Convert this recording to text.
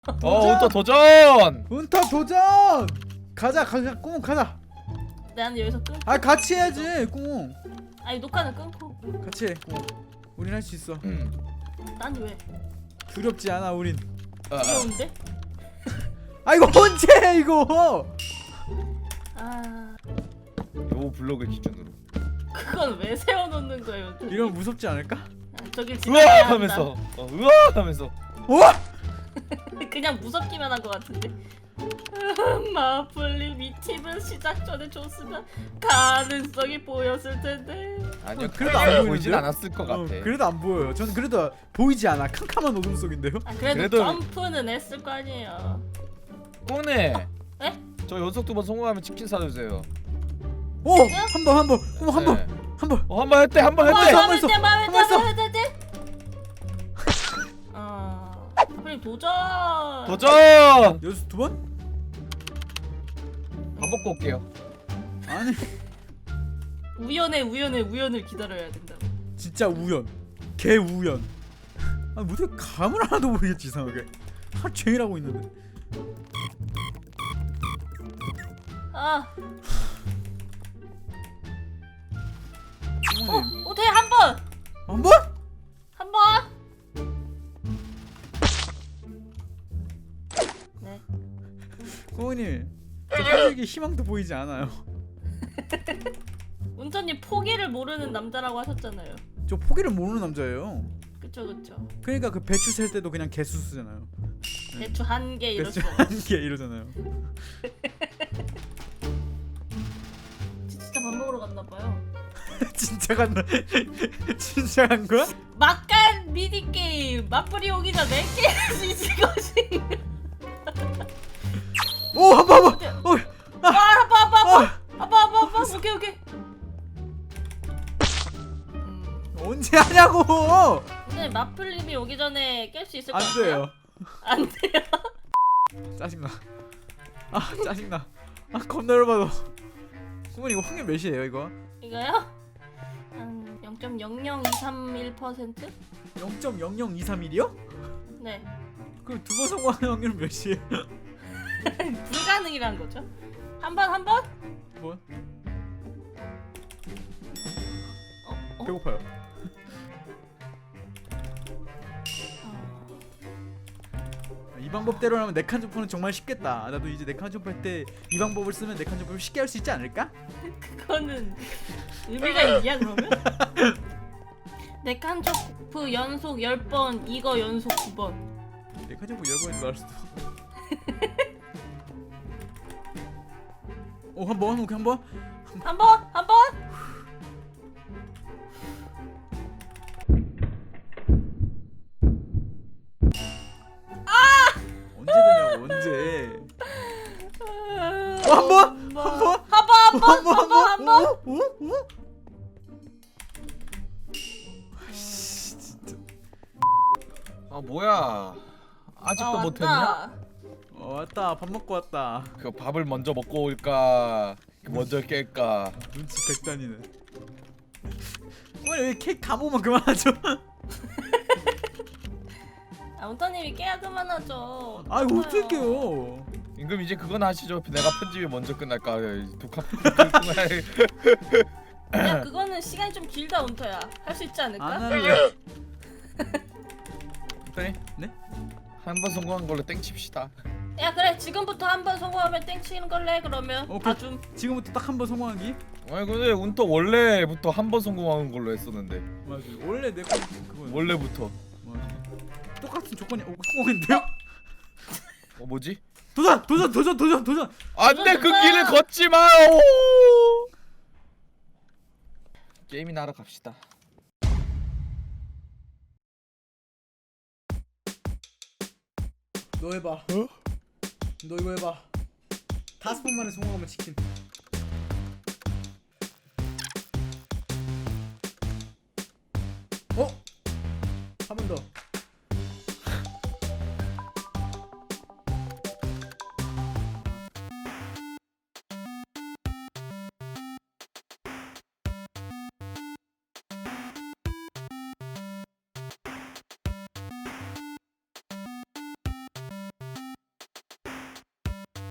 운터 도전. 운터 도전. 가자 꽁 가자. 난 여기서 끊고. 아 같이 해야지 꽁. 아니 녹화는 끊고. 같이 해 꽁. 우린 할 수 있어. 난 왜? 두렵지 않아 우린. 귀여운데? 아 이거 언제 해 이거? 아 요 블록을 기준으로. 그건 왜 세워놓는 거예요? 이러면 무섭지 않을까? 저길 으악 지나가야 하면서. 으악 하면서. 그냥 무섭기만 한 것 같은데. 마플님 이 팁은 시작 전에 줬으면 가능성이 보였을 텐데. 아니요. 그래도 안 그래도 보이는데요? 보이진 않았을 것 같아. 그래도 안 보여요. 저는 그래도 보이지 않아. 캄캄한 어둠 속인데요. 아, 그래도 점프는 했을 거 아니에요. 꽁네. 에? 저 연속 2번 성공하면 치킨 사주세요. 오! 한 번. 한 번. 네. 한 번. 한 번 했대. 한 번 했대. 한번 했어. 한번 했어. 마플님 도전. 도전. 연습 두 번? 밥 먹고 올게요. 아니 우연을 기다려야 된다. 진짜 우연. 개 우연. 아 어떻게 감을 하나도 모르겠지 이상하게. 하루 종일 하고 있는데. 아, 부모님. 어떻게 한 번? 한 번? 한 번? 네. 부모님. 저 사실게 희망도 보이지 않아요. 운터님 포기를 모르는 남자라고 하셨잖아요. 저 포기를 모르는 남자예요. 그쵸. 그러니까 그 배추 셀 때도 그냥 개수 쓰잖아요. 대충 한 개 배추 이렇죠. 한 개 이러잖아요. 진짜 밥 먹으러 갔나 봐요. 진짜 간다. 진짜 간 거야? 막간 미니 게임 마플이 오기 전에 깨할 수 있을 것이. 오, 한 번. 아빠. 오케이. 언제 하냐고. 근데 마플님이 오기 전에 깰 수 있을 것 안 같아요? 돼요. 안 돼요. 짜증나. 아 짜증나. 아 겁나 열받아. 부모님 이거 확률 몇이에요 이거? 이거요? 한 0.00231%? 0.00231이요? 네. 그럼 두 번 성공하는 확률은 몇이에요? 불가능이란 거죠. 한 번? 뭐? 어? 배고파요. 이 방법대로라면 네칸 점프는 정말 쉽겠다. 나도 이제 네칸 점프 할 때 이 방법을 쓰면 네칸 점프를 쉽게 할 수 있지 않을까? 그거는 의미가 있냐 그러면? 네칸 점프 연속 10번 이거 연속 9번. 네칸 점프 10번인 줄 알았어. 오, 한 번. 한 번? 언제 되냐고 언제? 한 번? 한 번? 아이씨 진짜. 아 뭐야? 아직도 아, 못했냐? 왔다. 왔다. 밥 먹고 왔다. 그 밥을 먼저 먹고 올까? 먼저 깰까? 눈치 백단이네. 왜 케이크 다 먹으면 그만하죠? 아, 운터님이 깨야 그만하죠. 아 이거 어떡해요. 임금 이제 그건 하시죠. 내가 편집이 먼저 끝날까? 독합 야 그거는 시간이 좀 길다 운터야. 할 수 있지 않을까? 안 할래. 네? 네? 한 번 성공한 걸로 땡칩시다. 야 그래 지금부터 한 번 성공하면 땡치는 걸래 그러면. 오케이. 봐줌. 지금부터 딱 한 번 성공하기. 아니 근데 운터 원래부터 한 번 성공한 걸로 했었는데. 맞아. 원래 내 거 그거. 원래부터. 맞아. 똑같은 조건이 성공했는데요? 뭐지? 도전. 안돼 그 도전! 길을 걷지 마요. 게임이나 하러 갑시다. 너 해봐. 너 이거 해봐. 5번 만에 성공하면 치킨.